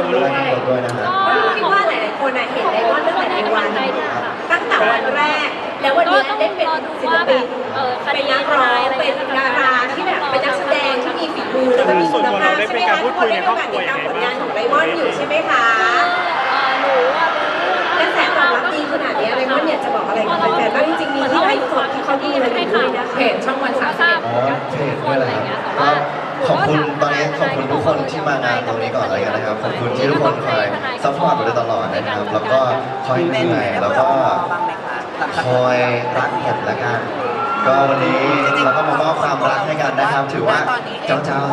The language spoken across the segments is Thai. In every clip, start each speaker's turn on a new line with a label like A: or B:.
A: ด้วยนะฮะ
B: คิดว่าหลายๆคนเห็นไดมอนด์ตั้งแต่ในวันตั้งแต่วันแรกแล้ววันนี้ได้เป็นศิลปินเป็นนักร้องเป็นดาราที่แบบเป็นนักแสดงที่มีฝีมือแล้วก็มีคุณภาพใช่ไหมคะทุกคนได้มีโอกาสติดตามผลงานของไดมอนด์อยู่ใช่ไหมคะกระแสตอบรับดีขนาดนี้ไดมอนด์อยากจะบอกอะไรกับแฟนๆบ้างจริงๆมีที่ไลฟ์สดที่เขาดูอะไรอยู่ด้วยนะเพจช่องวัน31
A: อ๋อเพจด้วยแหละครับขอบคุณตอนนี้ขอบคุณทุกคนที่มางานตรงนี้ก่อนเลยนะครับขอบคุณที่ทุกคนคอยซัพพอร์ตมาโดยตลอดนะครับแล้วก็คอยเหนื่อยแล้วก็คอยรักกันละกันก็วันนี้เราก็มามอบความรักให้กันนะครับถือว่าเจ้าเนาะ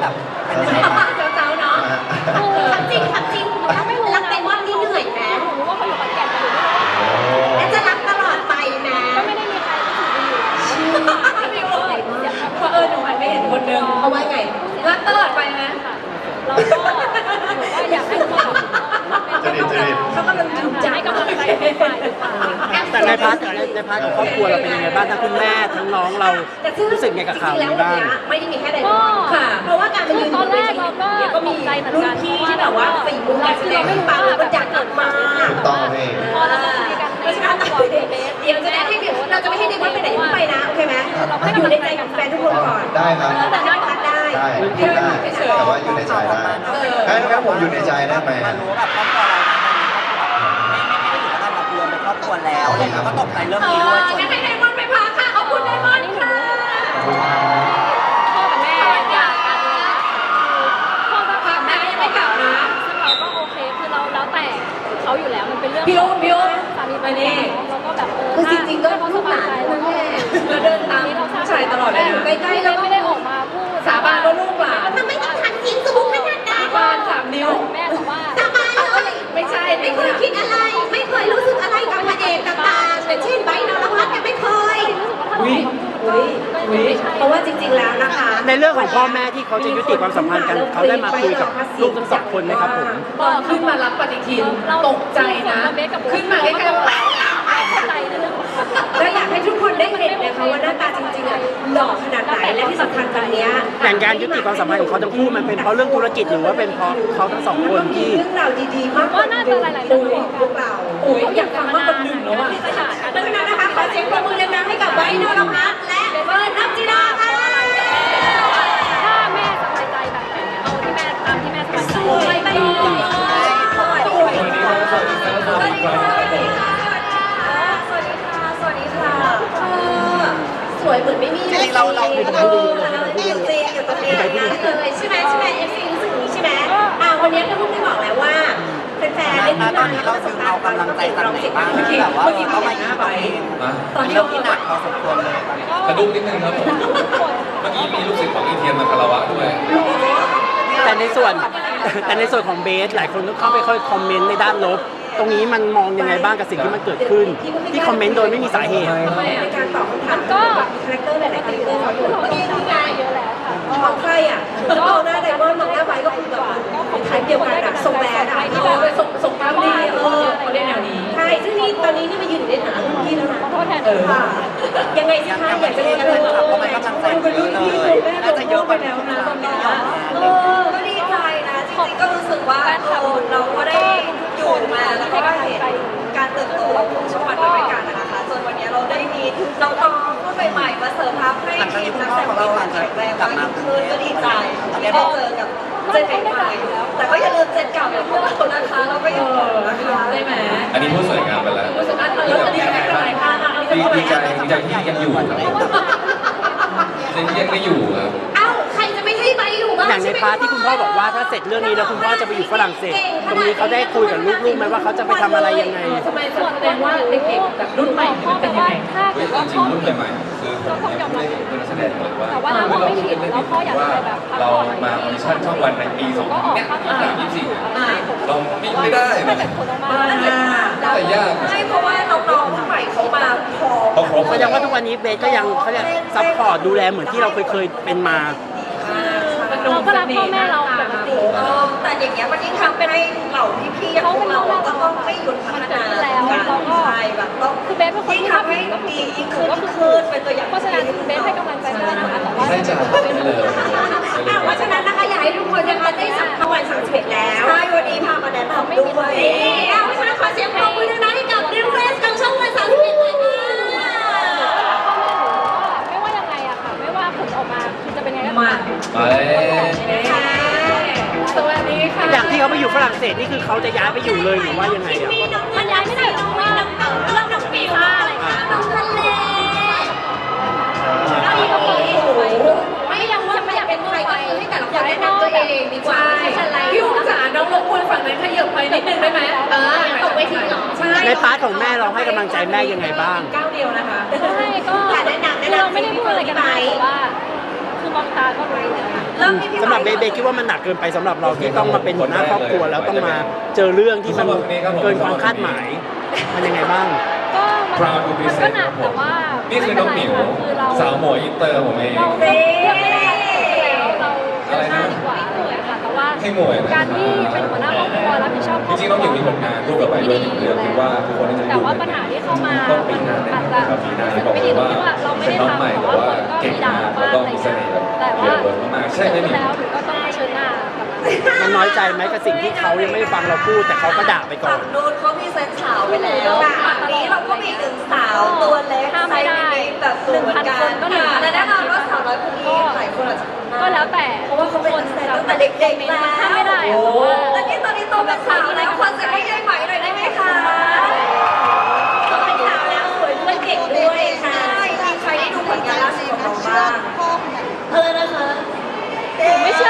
B: ทำจริงถ้าไม่รักไดมอนด์นี่เหนื่อยนะรู้ว่าคนอยู่ขอนแก่นอยู่และจะรักตลอดไปนะก็ไม่ได้มีใครชื่อไม่โอ้ยเพราะหนูหันไปเห็นคนนึงเขาว่าไงรักตลอดไปนะเราก็อยากให้ทุกคนเขากำลังจูงใจกำลังใจ
C: แต่ในพาร์ทของครอบครัวเราเป็นยังไงบ้างทั้งคุณแม่ทั้งน้องเรารู้สึกไงกับข่าวนี้บ้าง
B: ไม่ได้มีแค่ไดมอนด์ค่ะเพราะว่าการมายืนอยู่ในเวทีเนี่ยก็มีรุ่นพี่ที่แบบว่าฝีมือการแสดงไม่ปังแล้วก็อยากกลับมา
A: ต้องพี่
B: เพราะฉะนั้นเดี๋ยวจะได้ให้เราจะไม่ให้ไดมอนด์ไปไหนไปนะโอเคไหมอยู่ในใจกับแฟนทุกคนก่อน
A: ได้ครับ
B: แต่ได้พักได้
A: แต่ว่าอยู่ในใจได้งั้นผมอยู่ในใจได้ไหม
D: รู้แบบครอบครัวเราไม่ถึงกับรวมเป็นครอบครัวแล้วแล้วก็ตกใจเรื่องนี้ด้วย
B: งั้นให้ไดมอนด์ไปพักค่ะขอบคุณไดมอนด์ค่ะพ่อกับแม่อยากกันพ่อกับแม่ยังไม่กลับนะซึ่งเราก็โอเคคือเราแล้วแต่เขาอยู่แล้วมันเป็นเรื่องพี่อุ้มสามีไปนี่เราก็แบบจริงๆก็เขาสบายใจแล้วก็เราเดินตามผู้ชายตลอดเลยนะใกล้ๆแล้วไม่ได้ออกมาพูดสาบานว่าลูกหลานทำไมต้องทำจริงสูงขนาดนั้นสาบาน3 นิ้วแม่บอกว่าสาบานเลยไม่ใช่ไม่เคยคิดอะไรไม่เคยรู้สึกอะไรกับพระเอกต่างๆแต่เช่นไบร์ทนรพัฒน์ไม่เคยเพราะว่าจริงๆแล้วนะคะ
C: ในเรื่องของพ่อแม่ที่เขาจะยุติความสัมพันธ์กันเขาได้มาคุยกับลูกทั้ง2 คนไหมครับผม
B: ตอนขึ้นมารับปฏิทินตกใจนะขึ้นมาใกล้ๆเข้าใจในเรื่องแล้วอยากให้ทุกคนได้เห็นนะคะว่าหน้าตาจริงๆหล่อขนาดไหนและที่สำคัญตอนนี้
C: แต่การยุติความสัมพันธ์ของเขาทั้งคู่มันเป็นเพราะเรื่องธุรกิจหรือว่าเป็นเพราะเขาทั้ง2 คนที่
B: เรื่องราวดีๆมากว่าน่าจะหลายๆเรื่องพวกเราอยากฟังมากกว่าหนึ่งแล้วอ่ะดังนั้นนะคะขอเสียงปรบมือดังๆให้กับไบร์ทนรพัฒน์และเฟิร์นนัทจิราค่ะถ้าแม่สบายใจแบบไหนเอาที่แม่ตามที่แม่สบายใจไปสวัสดีค่ะสวยเหมือนไม่มี
D: เรา
B: อยู่ตรงนี้อยู่ตรงนี้เลยใช่ไหมFC รู้สึกนี้ใช่ไหมวันนี้ก็เพิ่งได้บอกแล้วว่าแฟนๆได้
D: ตอนนี้เราดึงเอากำลังใจจากไหนบ้างแบบว่าเขามายิ้มตอนนี้เราที่หนักพอสมควรเลย
E: กระดุกนิดนึงครับผมเมื่อกี้มีลูกศิษย์ของอีเทียนมาคารวะด้วย
C: แต่ในส่วนของเบสหลายคนก็เข้าไปค่อยคอมเมนต์ในด้านลบตรงนี้มันมองยังไงบ้างกับสิ่งที่มันเกิดขึ้นที่คอมเมนต์โดยไม่มีสาเหตุ
B: ในการตอบคำถามก็คาแรคเตอร์หลายๆคาแรคเตอร์เขาอยู่เมื่อกี้นี่ไงเยอะแล้วค่ะมองใครมองหน้าไดมอนด์มองหน้าไบก็คือแบบคล้ายเดียวกันทรงแบดส่งตามดีเขาเล่นแนวนี้ใช่ซึ่งนี่ตอนนี้นี่มายืนอยู่ในฐานะรุ่นพี่แล้วนะยังไงสิคะอยากจะเรียนรู้เป็นรุ่นพี่น่าจะเยอะไปแล้วนะตอนนี้ก็ดีใจนะจริงๆก็รู้สึกว่าเราก็ได้อยู่มาแล้วก็เห็นการเติบโตของช่องวันด้วยกันนะคะจนวันนี้เราได้มีน้องๆรุ่นใหม่ๆมาเสริมทัพให้ทีมนักแสดงของเราแข็งแรงมากขึ้นก็ดีใจได้เจอกับเจนใหม่ๆแต่ก็อย่าลืมเจนเก่าอย่างพวกเรานะคะเราก็ยังอยู่นะคะได้ไหม
E: อันนี้พูดสวยงามไปแล้ว
B: พูดสวยงามแล้วจะดีใจ
E: ดีใจที่ยังอยู่ครับดีใจที่ยังไม่อยู่ครับ
B: ใครจะไม่ให้ใบอยู่บ้าง
C: อย่างในพาร์ทที่คุณพ่อบอกว่าถ้าเสร็จเรื่องนี้แล้วคุณพ่อจะไปอยู่ฝรั่งเศสตรงนี้เขาได้คุยกับลูกๆไหมว่าเขาจะไปทำอะไรยังไง
B: ทำไมส่วนแสดงว่าเด็กๆแบบรุ่นใหม่เป็นยังไง
E: จริงๆรุ่นใหม่ๆคือผมไม่ได้เป็นนักแสดงเลยว่าเราไม่เห็นว่าเรามาออดิชั่นช่องวันในปี2024เราไม่ได้แต่ยาก
B: ใช่เพราะว่าน้องๆรุ่นใหม่เขามาพอ
C: แสดงว่าทุกวันนี้เบสก็ยังเขาจะซัพพอร์ตดูแลเหมือนที่เราเคยเป็นมา
B: เราก็รักพ่อแม่เราปกติแต่อย่างเงี้ยมันยิ่งทำให้เหล่าพี่ๆของเราก็ต้องไม่หยุดพัฒนาแล้วเราก็แบบต้องคือเบสเป็นคนที่ทำให้ดียิ่งขึ้นเป็นตัวอย่างเพราะฉะนั้นเบสให้กำลังใจได้นะคะแต่ว่าเพราะฉะนั้นนะคะอยากให้ทุกคนนะคะได้สัมภาษณ์วัน31แล้วใช่วันนี้พาด้วยเพราะฉะนั้นขอเสียงปรบมือดังๆให้กับดิวเรสกับช่องวัน31เลยค่ะ
F: ไม่ว่ายังไงอะค่ะ ไม่ว่าผลออกมาคือจะเป็นไงก็
B: มา
F: ตาม
E: ไป
B: สวัสดีค่ะ
C: อย่างที่เขาไปอยู่ฝรั่งเศสนี่คือเขาจะย้ายไปอยู่เลยหรือว่ายังไงอ่ะ
F: มันย้ายไม่ได้เพราะว่าเรื่องน้องปีซ่าอะไรค่ะ
B: น้องทะเล
F: แล้วนี่ก็เปิดไปไม่ยังว่า
B: ไม่อยากเป็นใครก็คือให้แต่ละคนแนะนำตัวเองดีกว่าพี่อุ๋มจ๋าน้องรบกวนฝั่งนั้นขยับไปนิดนึงได้ไหมตกเวทีหรอใช่
C: ในพาร์ทของแม่เราให้กำลังใจแม่ยังไงบ้าง
B: ก้าวเดียวนะคะ
F: ใช่ก็เราไม่ได้พูดอะไรกันไปแต่ว่าคือมองตาก็รู้เลยค่ะ
C: สำหรับเบคิดว่ามันหนักเกินไปสำหรับเราที่ต้องมาเป็นหัวหน้าครอบครัวแล้วต้องมาเจอเรื่องที่มันเกินความคาดหมายมันยังไงบ้าง
F: ก็มันก็หนักแต่ว่า
E: นี่คือน้องหมิวสาวหมวยอินเตอร์ผมเอง
F: เราเลือกไม่ได้แล้วเราเลือกหน้าดีกว่าค่ะแต่ว่า
E: ให้หมวยนะ
F: การที่เป็นหัวหน้าครอบครัวรับผิดชอบค
E: จ
F: รอบค
E: ริงๆ
F: รัว
E: น้องหมิวมีผลงานร่วมกับไปด้วยเรื่องคิดว่าทุกคนน่าจะ
F: แต่ว่าปัญหาที่เข้ามา
E: ต้นปี
F: มัน
E: หน้า
F: อาจจะ
E: ครับปีหน้า
F: รู้สึก
E: บอก
F: ไม่
E: เล
F: ดี
E: ย
F: ตรง
E: ว่า
F: ที่ว่าเราไม่
E: เป็
F: ได้
E: นน้องใหม่
F: ทำแต่
E: แต่
F: ว่า
E: ว่า
F: คนก็
E: เก่
F: มี
E: ง
F: ด่าม
E: าก
F: บ้า
E: แล้ว
F: ง
E: ก็
F: อะไร
E: มี
F: อย่าง
E: เส
F: เงี้ย
E: น่ห์แบบ
F: แต่ว่า
E: เยอะมากใช่ไหมหมิว
F: แล้วหนูก็ต้องเผชิญหน้ากับมัน
C: มันน้อยใจไหมกับสิ่งที่เขายังไม่ได้ฟังเราพูดแต่เขาก็ด่าไปก่อน
G: นู้นเขามีเซนส์สาวไปแล้วฝั่งนี้เราก็มีหนึ่งสาวตัวเล็ก
F: ห้ามไม่ได้
G: แบบสูงเหมือนกัน
F: 1,000 คนก็1,000
G: แต่แน่นอนว่าสาวน้อยคนนี้หลายคนอาจจะคุ้นหน้า
F: ก็แล้วแต่
G: เพราะว่าเขาเป็นนักแสดงตั้งแต่เด็กๆแล้ว
F: ห้ามไม่ได้อะ
G: แล้วนี่ตอนนี้โตเป็นสาวแล้วคนจะให้ยายใหม่หน่อยได้ไหมคะโตเป็นสาวแล้วสวยด้วยเก่งด้วยค่ะมีใครได้ดูผลงานล่าสุดของเราบ้างนะคะ
F: ไม่เชื่อ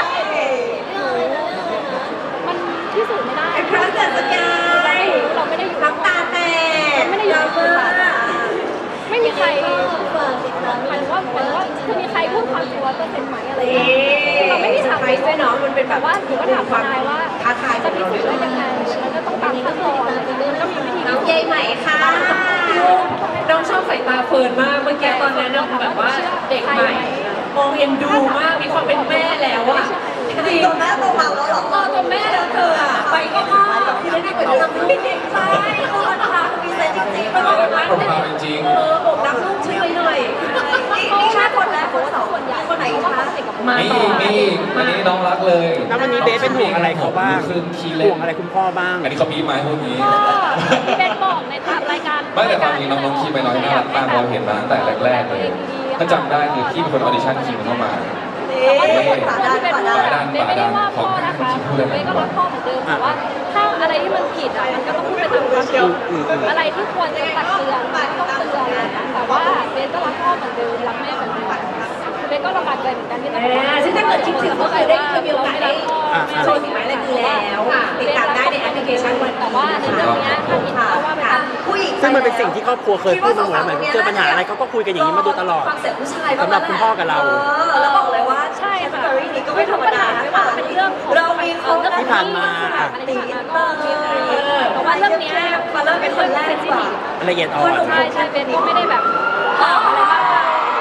F: มันพิสูจน์ไม่ได้
G: พระเกิดสกาย
F: เราไม่ได้อยู่
G: น้ำตาแตก
F: ไม่ได้อยู่ในพื้น
G: มาก
F: ไม่มีใครหมายถึงว่าจะมีใครพูดความจริง100%ไหมอะไรอย่างเงี้ยเราไม่มีทาง
B: ไปด้วยเนาะมันเป็นแบบ
F: ว่าหนูก็ถามทนายว่า
B: ท้าทาย
F: จะพิสูจน์ได้ยังไงแล้วก็ต้องตามขั้นตอนมันก็มีวิธี
G: น้องยายใหม่ค่ะ
B: น้องชอบสายตาเฟิร์นมากเมื่อกี้ตอนนั้นน้องแบบว่าเด็กใหม่มองเอ็นดูมากมีความเป็นแม่แล้วอะจริง
G: ตัวแม่ตัวเราแล้วหรอ
B: ตัวแม่แล้วเธออะไปก็มากที่ได้เหมือนทำลูกเด็กไป
G: เขาอันทามีเซนจริงๆ
E: เราได้มาผมมาจริง
B: บอกรักลูกช่วยหน่อย
G: นี่แค่คนแรกคนสอง
F: ส่วนใหญ่
G: คนไหน
F: เพราะว่า
G: คะ
F: เขาสนิทกับ
B: มา
E: นี่
B: ต่อ
E: นี่อันนี้น้องรักเลย
C: แล้ววันนี้เบสเป็นห่วงอะไรเขาบ้าง
E: คือคีย์เล่
C: ห่วงอะไรคุณพ่อบ้าง
E: อันนี้เขาบีบมาให้พวกนี้
F: ก็ที่เป็นบอกในตามรายการ
E: ไม่แต่ความจริงน้องคีย์ไปน้อยน่ารักมากเราเห็นมาตั้งแต่แรกๆเลยถ้าจำได้คือพี่เป็นคนออดิชั่นคีย์เข้ามา
G: นี่คนฝา
F: คน
G: ด้าน
F: ที่เป็น
G: ฝา
F: พ่อ
G: ด้าน
F: เบสไม่ได้ว่าพ่อนะคะเบสก็รักพ่อเหมือนเดิมแต่ว่าถ้าอะไรที่มันผิดอ่ะมันก็ต้องพูดไปตามความจริงอะไรที่ควรจะตักเตือนต้องเตือนแต่ว่าเบสก็รักพ่อเหมือนเดิมรักแม่เหมือนเดิมเบสก็ลำบากใจเหมือนกันที่ต้อง
B: ซึ่งถ้าเกิดคิดถึงก็เคยได้เคยมีโอกาสได้โชว์ฝีไม้ลายมือแล้วติดตามได้ในแอปพลิเคชันวัน
F: แต่ว่าในเรื่องเนี้ยถ้าผิดก็ว่าไปตาม
G: ผู้หญิง
C: ซึ่งมันเป็นสิ่งที่ครอบครัวเคยพูดมาเหมือนเจอปัญหาอะไรเขาก็คุยกันอย่างนี้มาโดยตลอด
G: ฟังเสียงผู้ชาย
C: สำหรับคุณพ่อกับเรา
G: แล้วบอกเลยว่า
F: ใช่ค่ะ
G: สตอรี่นี้ก็ไม่ธรรมดา
F: ไม่ว่าจะเป็นเรื่องของ
G: เรามีคน
C: ที่ผ่านมา
F: อะไรที่ผ่านมาก็มีแต่ว่าเรื่องเนี้ย
G: มาเริ่มเป็นคนแรกดีกว่า
C: ละเอียดอ่อน
F: ใช่ใช่เบนก็ไม่ได้แบบอะไรมากมาย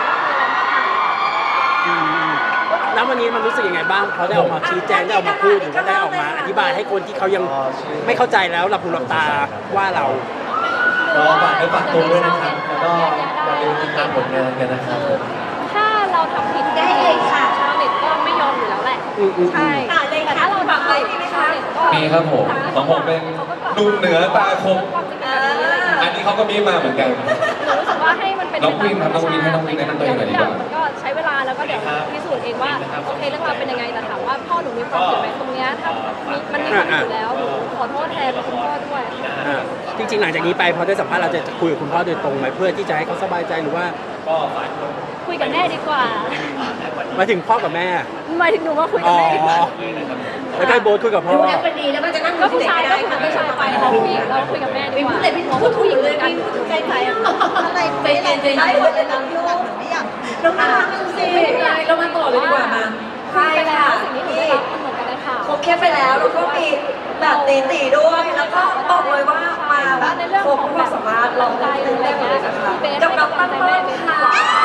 C: แล้ววันนี้มันรู้สึกยังไงบ้างเขาได้ออกมาชี้แจงได้ออกมาพูดหรือว่าได้ออกมาอธิบายให้คนที่เขายังไม่เข้าใจแล้วหลับหูหลับตาว่าเรา
A: ก็ฝากให้ฝากตัวด้วยนะครับ แล้วก็อย่าลืมติดตามผลงานกันนะครับ
F: ถ้าเราทำผิด
G: ได้เลยค่ะ
F: ชาวเน็ตก็ไม่ยอมอยู่แล้วแหละใช่
G: ค่ะเลยค่ะ
F: แต่ถ้าเราทำผิด
G: มีไหมคะ
F: ชาวเน็ตก็
E: มีครับผมของผมเป็นหนุ่มเหนือตาคม
F: ความจริงเป็นแบบนี้อะไรอย่างเงี้ย
E: อันนี้เขาก็บีบมาเหมือนกัน
F: หนูรู้สึกว่าให้มันเป็น
E: น้องวินครับน้องวินให้น้องวินแนะนำตัวเองหน่อยดีกว่า
F: มันก็ใช้เวลาแล้วก็เดี๋ยวพิสูจน์เองว่าโอเคเรื่องราวเป็นยังไงแต่ถามว่าพ่อหนูมีความผิดไหมตรงเนี้ยถ้ามันมีความผิดอยู่แล้วหนูขอโทษแทนคุณพ่อด้วย
C: จริงๆหลังจากนี้ไปพอได้สัมภาษณ์เราจะคุยกับคุณพ่อโดยตรงไหมเพื่อที่จะให้เขาสบายใจหรือว่า
F: คุยกับแม่ดีกว่า
C: หมายถึงพ่อกับแม่
F: หมายถึงหนูว่าคุย
C: อ๋
F: กับ
C: อ
F: แม่ดีกว่า
C: แล้วก็ให้โบ๊ทคุยกับพ่อ
B: ดูแอปเป็นดีแล้วก็จะนั่ง
F: ก็ผู้ชายก็คุยกับผู้ชายไปเราผู้หญิงเราคุยกับแม่ดีกว่า
B: แต่พี่พูดถูกเลยพี่พูดใจใจอะ
G: อะไรเป็นได้หมดเลยนะลูกไม่อยาก
B: น้องน่ารักสิเรามาต่อเลยดีกว่ามา
G: ใช่ค่ะ
F: สิ่งที่หนูได้รับมันเหมือนกันเลยค่ะ
G: ครบแค่ไปแล้วแล้วก็มีแบบตีด้วย แล้วก็บอกเลยว่ามาแบบครบความสามารถลองได้เลยหมดเลยนะคะกับน้องตั้งเบิ้ลค่ะ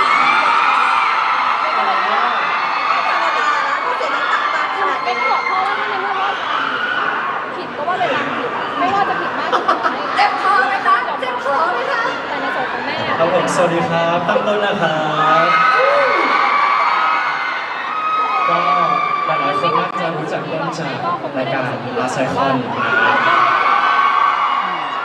G: ธรรมดานะที่เสียงต่างๆขนาด
F: เป็
G: นี้
F: นบอกพ่อว่าในเมื่อว่าผิดก็ว่าไปตามผิดไม่ว่าจะผิดมากหรือน้อย
G: เจ็บคอไหมคะเจ็บคอไหมคะ
F: แต่ในส่วนของแม่
H: ครับผมสวัสดีครับตั้งต้นนะครับก็หลายๆคนน่าจะรู้จักต้นจากรายการ Last Icon นะครับ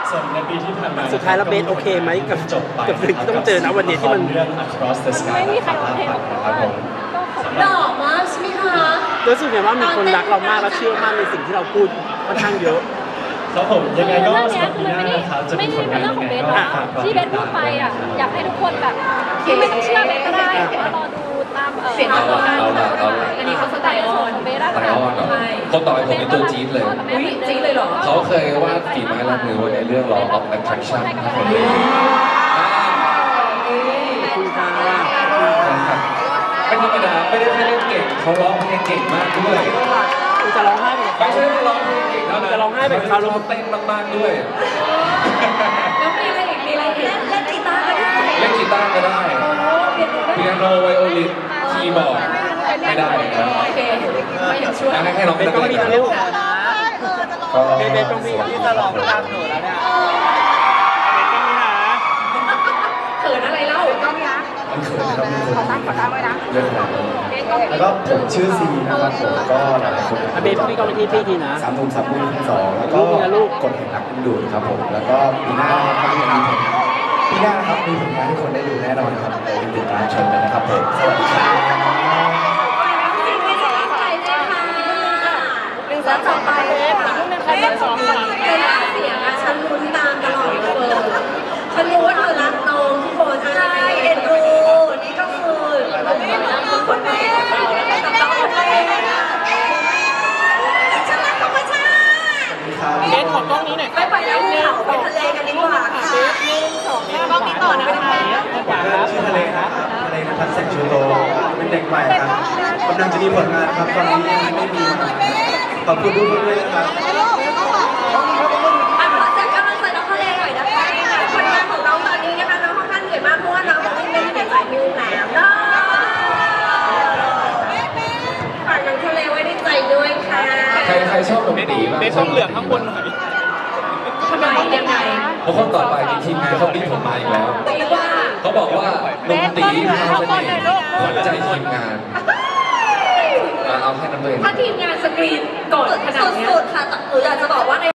H: ส่วนในปีที่ผ่านมา
C: สุดท้ายแล้วเบสโอเคไหมกับ
H: จบไป
C: กับสิ่งที่ต้องเจอนะวันนี้ที่มัน
H: เรื่อง Across the Sky
F: ไม่มีใครร้องเพลง
H: ครับผม
B: หล่อมากใช่ไหมคะ
C: รู้สึกไงว่ามีคนรักเรามากและเชื่อมั่นในสิ่งที่เราพูดค่อนข้างเยอะ
H: ครับผมยังไงก็
F: เรื่อง
H: สำห
F: เนี้
H: รับ
F: คื
H: ปี
F: อ
H: ห
F: มัน
H: น้านะครับจะ
F: ไม่
H: มี
F: ได้
H: ผล
F: เป็น
H: งาน
F: เรื่อง
H: ยั
F: ของ
H: งไง
F: เบส
H: ก็
F: นะที่เบสพูดไปอ่ะอยากให้ทุกคนแบบไม่ต้องเชื่อเบสก็ได้แต่ว่ารอดูตาม
G: เสียง
F: ตาม
G: เอา
F: การ
G: ละ
F: อันนี้เขาสไตล์ของเบสอะ
E: ไล
F: ค่ะ
E: ออนเหรอคนต่อไปผมเป็นตัวจี๊ดเลย
B: อุ๊ยจริงเลยเหรอ
E: เขาเคยวาดฝีไม้ลายมือไว้ในเรื่อง Law of Attraction ถ้าคนได้ดู
C: คุณค่ะ
E: ไม่ธรรมดาไม่ได้แค่เล่นเก่งเขาร้องเพลงเก่งมากด้วย
C: คุณจะร้องไห้ไปกับ
E: ไม่
C: เขา
E: ใช่ว่าร้องเพลงเก่งเท่านั้น
C: จะร้องไห้ไปกับเขา
E: เต้นมากๆด้วย
B: แล้วมีอะไรอีกมีอะไรอีก
G: เล่นกีตาร์ก็ได้
E: เล่นกีตาร์ก็ได้ เปียโนไวโอลินคีย์บอร์ดไม่ได้ครับ
B: โอเคไม่อยากช่วย
E: ให้น้อง
C: เบ
E: เป็น
C: ส
E: นัก
C: ก็
E: เล่
C: มี
E: น
C: นะ
E: ครับ
C: ลูก
A: ก็
C: เบสต้องมีที่จะร้องตามหนูแล้วเนี่ยเบสต้องมีนะ
B: เขินอะไรเล่า
A: มันเขินนะครับมีคนเยอะขนาดนี้แล้วก็ผมชื่อซีนะครับผมก็หลายๆคน
C: อ่ะเบสพี่ก็ไปที่ทีนะ
A: สามหนุ่มสามมุมสองแล้วก็
C: ลูกนะลูก
A: กดแห่งรักดึงดูดครับผมแล้วก็ปีหน้านะครับก็ยังมีผลงานปีหน้านะครับมีผลงานให้คนได้ดูแน่นอนครับไปติดตามชมกันนะครับผมสวัสดีครับ
G: จริงไม่ใช่ตั้งใจเลยค่ะแล้วต่อไปค่ะ
F: ใครเป็นสองคน
B: เวลาเสียงอะฉันลุ้นตามตลอดเลยฉันรู้ว่าเธอรักน้องทุกคน
G: ใช่เอ็นดูนี่ก็คือคนแม่ตัดต่อไปฉันรักธรรมชาติ
C: เบสขอกล้องนี้หน่อย
G: ไปไปแล้วภูเขาไปทะเลกันดีกว่าค่ะ
C: กล้องนี้ต่อนะคะขวาครับ
A: ชื่อทะเลครับทะเลนะครับแสงชูโตเป็นเด็กใหม่ครับกำลังจะมีผลงานครับตอนนี้ยังไม่มีขอบคุณทุกคนด้วยนะครับ
G: ขอแจ้งกำลังใจน้องทะเลหน่อยนะคะผลงานของน้องตอนนี้นะคะน้องค่อนข้างเหนื่อยมากเพราะว่าน้องไม่ได้เล่นในสายมิวแล้วเนาะฝากน้องทะเลไว้ในใจด้วยค่ะ
E: ใครชอบดนตรีบ้าง
C: เบสต้องเหลืองข้างบนหน่อย
B: ทำไมยังไง
E: เพราะคนต่อไปทีมงานเขาบีบผมมาอีกแล้ว
B: ตีว่า
E: เขาบอกว่าดนตรีมีเสน่ห์ขวัญใจทีมงานเอาแค่นั้นเลย
B: ถ้าทีมงานสกรีนก่อนขนาดเนี้ย
G: สุดๆค่ะแต่อยากจะบอกว่าใน